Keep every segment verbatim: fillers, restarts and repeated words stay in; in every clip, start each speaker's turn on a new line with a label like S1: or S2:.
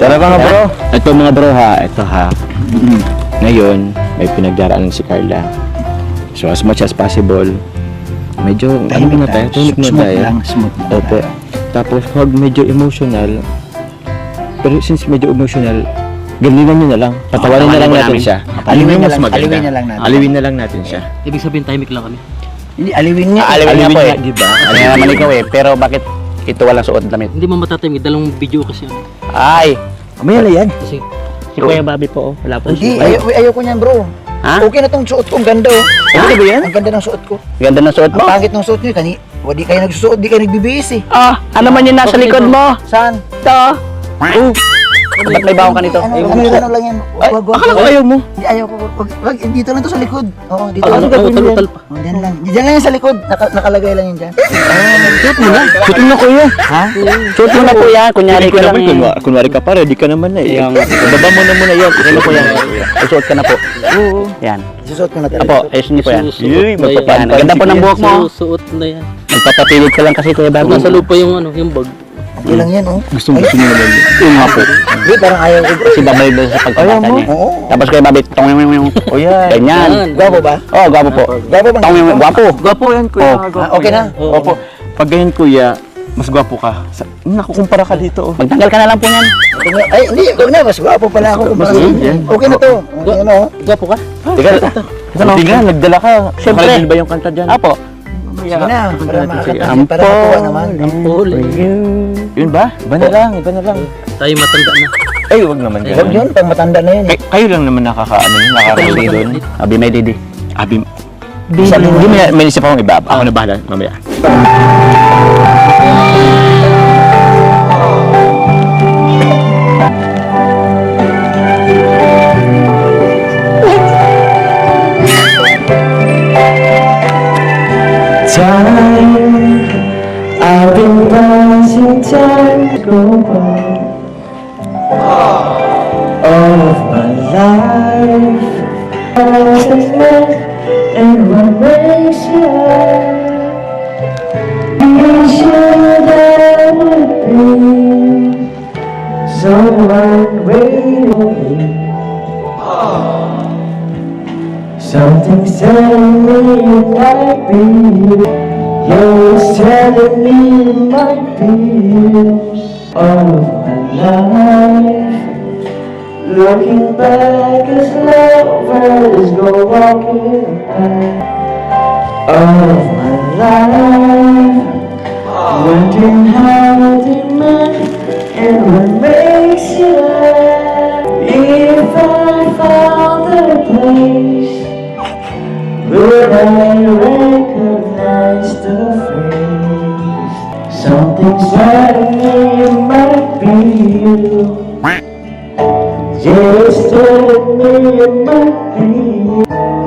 S1: Talaga nga bro. Ito mga bro ha, ito ha. Ngayon, may pinagdaraanan si Carla. So as much as possible, medyo ano muna tayo, tahimik muna
S2: Smooth
S1: tayo.
S2: lang, smooth lang.
S1: Opo. Tapos pag medyo emotional, pero since medyo emotional, galingan nyo na lang. Patawarin na lang natin siya.
S2: Aliwin na
S1: mas
S2: lang,
S1: maganda.
S2: aliwin na lang natin.
S1: Aliwin na lang natin siya.
S3: Ibig sabihin, timing lang kami.
S2: Hindi, aliwin niya.
S4: Ah, aliwin nga po eh.
S1: Diba?
S4: Ano naman ikaw eh, pero bakit ito walang suot damit?
S3: Hindi mo matatimig, dalawang video kasi ano.
S4: Ay,
S2: Mamaya na yan.
S3: Kasi,
S4: si Kuya Bobby po, oh. Wala po
S2: Hindi,
S4: si Kuya.
S2: ayaw, ayaw ko niyan bro.
S4: Ha?
S2: Okay na tong suot ko, ang ganda oh.
S4: Okay ba yan?
S2: Ang ganda ng suot ko.
S4: Ganda ng suot
S2: Ang
S4: mo.
S2: pangit ng suot niyo, kani, wadi kayo nagsusuot, di kayo nagbibihis eh.
S4: Ah, ano man yung nasa likod mo?
S2: Saan?
S4: Ito. Oh. Ba't may bawang ka nito?
S2: Ano, ano, ano lang yan? Wag, wag, wag.
S4: Akala ko ayaw mo.
S2: Hindi, ayaw ko. Wag, wag, dito lang to sa likod. Oo, dito
S3: ano,
S2: lang.
S3: ano, utal-utal pa.
S2: Oh, diyan lang. Diyan lang yan sa likod. Naka, nakalagay lang yan dyan.
S4: Suot mo na. Suot mo na kuya.
S2: Ha?
S4: Suot mo na kuya. Kunyari ka lang eh.
S1: Kunwari, kunwari ka pa, ready ka naman na eh.
S4: Yung-
S1: Baba mo na muna yan.
S4: Ano po yan? Susuot ka na po.
S2: Oo.
S4: Yan.
S2: Susuot ko na talaga.
S4: Apo, ayos niyo po yan.
S3: Susuot
S1: Yuy,
S3: na yan.
S4: Yan. Ang ganda po ng buhok mo.
S3: Susuot na yan.
S4: Magpapapilit ka lang kasi Kuya Bobby.
S3: Nasa loob pa yung ano, yung bag.
S2: Okay lang yan, oh.
S1: Gusto gusto nyo naman yun.
S4: Yung nga po.
S2: Hindi, parang ayaw ko bro.
S4: Si babay doon sa pagkabata niya.
S2: Oo.
S4: Tapos Kuya Bobby, tong yung yung
S1: O yan.
S4: ganyan.
S3: Yan.
S2: Gwapo ba?
S4: Oh, gwapo po.
S2: Gwapo bang?
S4: Tong yung gwapo.
S1: Gwapo yan kuya.
S4: Oh.
S1: Gwapo
S2: Ah, okay na?
S1: yan. Opo. Pag ganyan kuya, mas gwapo ka. Sa, nakukumpara ka dito oh.
S4: Magtanggal ka na lang po niyan.
S2: Okay na. Ay, hindi. Huwag na. Mas gwapo pala ako.
S1: Mas
S2: Mas,
S1: good yan.
S2: okay na to. Okay na, oh.
S3: Gwapo ka?
S4: Teka,
S1: Hindi nga, nagdala ka.
S4: Siyempre.
S1: Nakaligil ba yung kanta dyan?
S4: Apo.
S2: Sige na. Para makakanta.
S4: Ampo.
S2: Para makuha naman.
S3: Ampol.
S1: Yun ba? Iba na lang, iba na lang.
S3: Tayo matanda na.
S1: Ay, wag naman
S2: Huwag
S1: ganun.
S2: yun. Pag matanda na yan. eh.
S1: Kay, kayo lang naman nakakaano yun, nakakarating doon.
S4: Abi may didi.
S1: Abi, Sabi, hindi may, may isip akong iba. Ako na bahala, mamaya.
S5: Time, I've been passing time go by. All of my life, I was met, and what makes you laugh? You sure that would be someone waiting. Something's telling me it might be you. You're telling me it might be you. All of my life, looking back as lovers go walking by. All of my life, wondering how they met and what makes you laugh. If I found the place, would I recognize the face? Something's telling me it might be you. Yeah, it's telling me it might be you.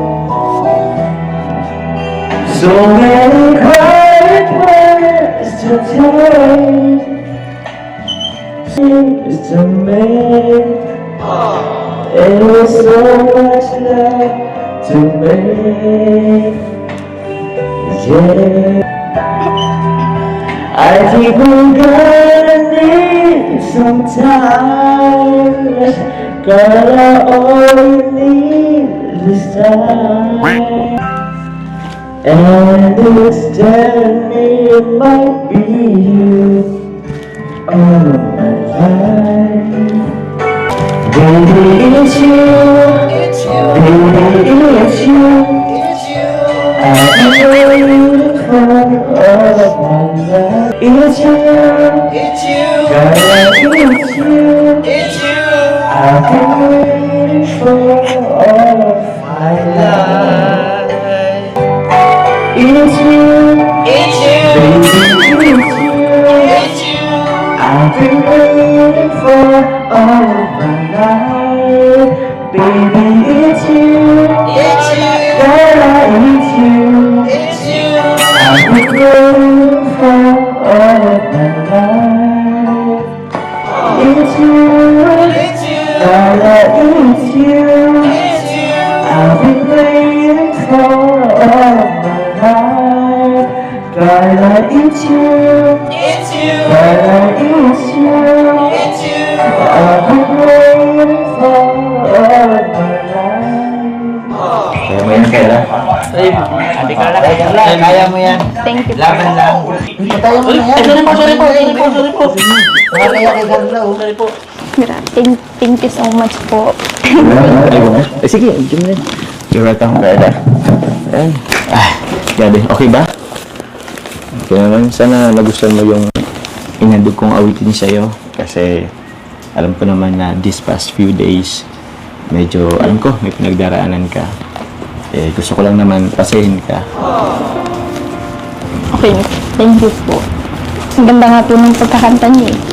S5: So many quiet words to take, things to make, and with so much love to make, yeah. I think we're gonna need some time, girl. All you need is time, and it's telling me it might be you all of my life. Baby, it's you. Baby, it's you. I've been waiting for all of my life. It's you. It's you. Girl, it's you. It's you. I've been waiting for all of my life. It's you. It's you. Baby, it's you. It's you. I've been waiting for all of my life. Baby, it's you. It's you. Girl, it's you. It's you. I've been waiting for all of my life. It's you. It's you. Girl, it's you. It's you. I've been waiting for all of my life. Girl, it's you. It's you. Girl, it's you. It's you.
S2: Kaya lang, kaya mo yan.
S6: Thank you po.
S2: Laban lang. Patayan mo na yan.
S3: Sorry po, sorry po, sorry po, sorry po.
S2: Nakakaya kay Carla, oh.
S3: Sorry po.
S6: Gra- Thank, thank you so much po.
S1: Eh, sige, dyan mo rin. You're welcome, Carla. Ayan. Ah, grabe. Okay ba? Okay naman. Sana nagustuhan mo yung inandog kong awitin sa'yo. Kasi alam ko naman na this past few days, medyo, alam ko, may pinagdaraanan ka. Eh, gusto ko lang naman pasahin ka.
S6: Okay, thank you po. Ang ganda nga po ng pagkakanta niyo eh.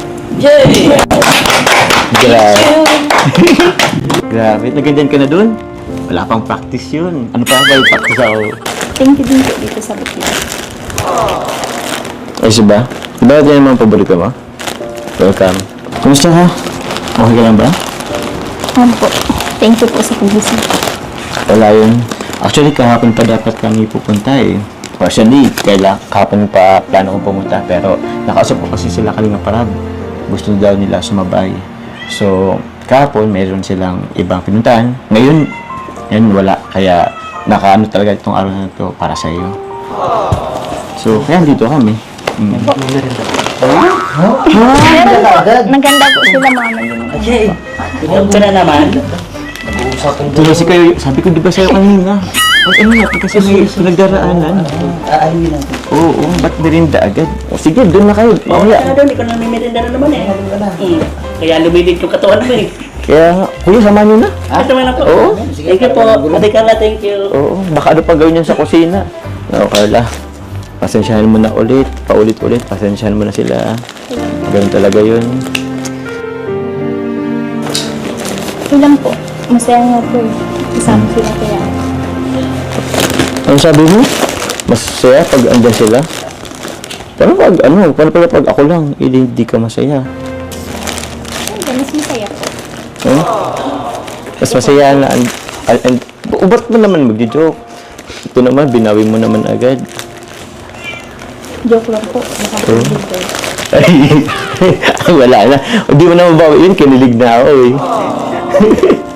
S1: Grabe. Grabe. Naganyan ka na dun? Wala pang practice yun. Ano pa ba yung practice ako?
S6: Thank you din po dito sa Bukid.
S1: Ay, ba? Diba yan yung mga paborito mo? Welcome. Kumusta ka? Okay ka lang ba?
S6: Ano po? Thank you po sa pagising.
S1: Wala yun. Actually, kahapon pa dapat kami pupunta eh. Actually, kaila, kahapon pa plano kong pumunta. Pero nakausap ko kasi sila Kalinga Parab. Gusto daw nila sumabay. So, kahapon, mayroon silang ibang pinuntahan. Ngayon, yan wala. Kaya, nakaano talaga itong araw na ito para sa iyo. So, kaya dito kami. Mm.
S6: Naganda po sila mama yun.
S3: Huwag ka na naman.
S1: Tuloy si kayo, sabi ko di ba sa'yo kanina? Huwag ano nga, kasi may pinagdaraanan.
S2: Aayuin natin.
S1: Oo, oo, ba't nirinda agad? O sige, doon na kayo. Mamaya.
S3: Kaya doon, ikaw na mimirinda na naman eh. Hmm. Kaya lumilit yung katawan mo eh.
S1: Kaya nga, kuya, samahan nyo na.
S3: Ah, tama na po.
S1: Oo.
S3: Thank you po. Ate Carla, thank you.
S1: Oo, baka ano pa gawin yun sa kusina. Oo, Carla. Pasensyahan mo na ulit, paulit-ulit. Pasensyahan mo na sila. Ganun talaga yun.
S6: Ilan po? Masaya nga po eh. Kasama sila kaya.
S1: Ano sabi mo? Masaya pag andyan sila? Paano pag, ano, paano pala pag ako lang, hindi, hindi ka masaya?
S6: Hindi, mas masaya po.
S1: Eh? Mas masaya na, and, and, and, ba't mo naman magdi-joke? Ito naman, binawi mo naman agad.
S6: Joke lang po. Baka po
S1: Oh.
S6: dito.
S1: Ay, wala na. Hindi mo na mabawi yun, kinilig na ako eh.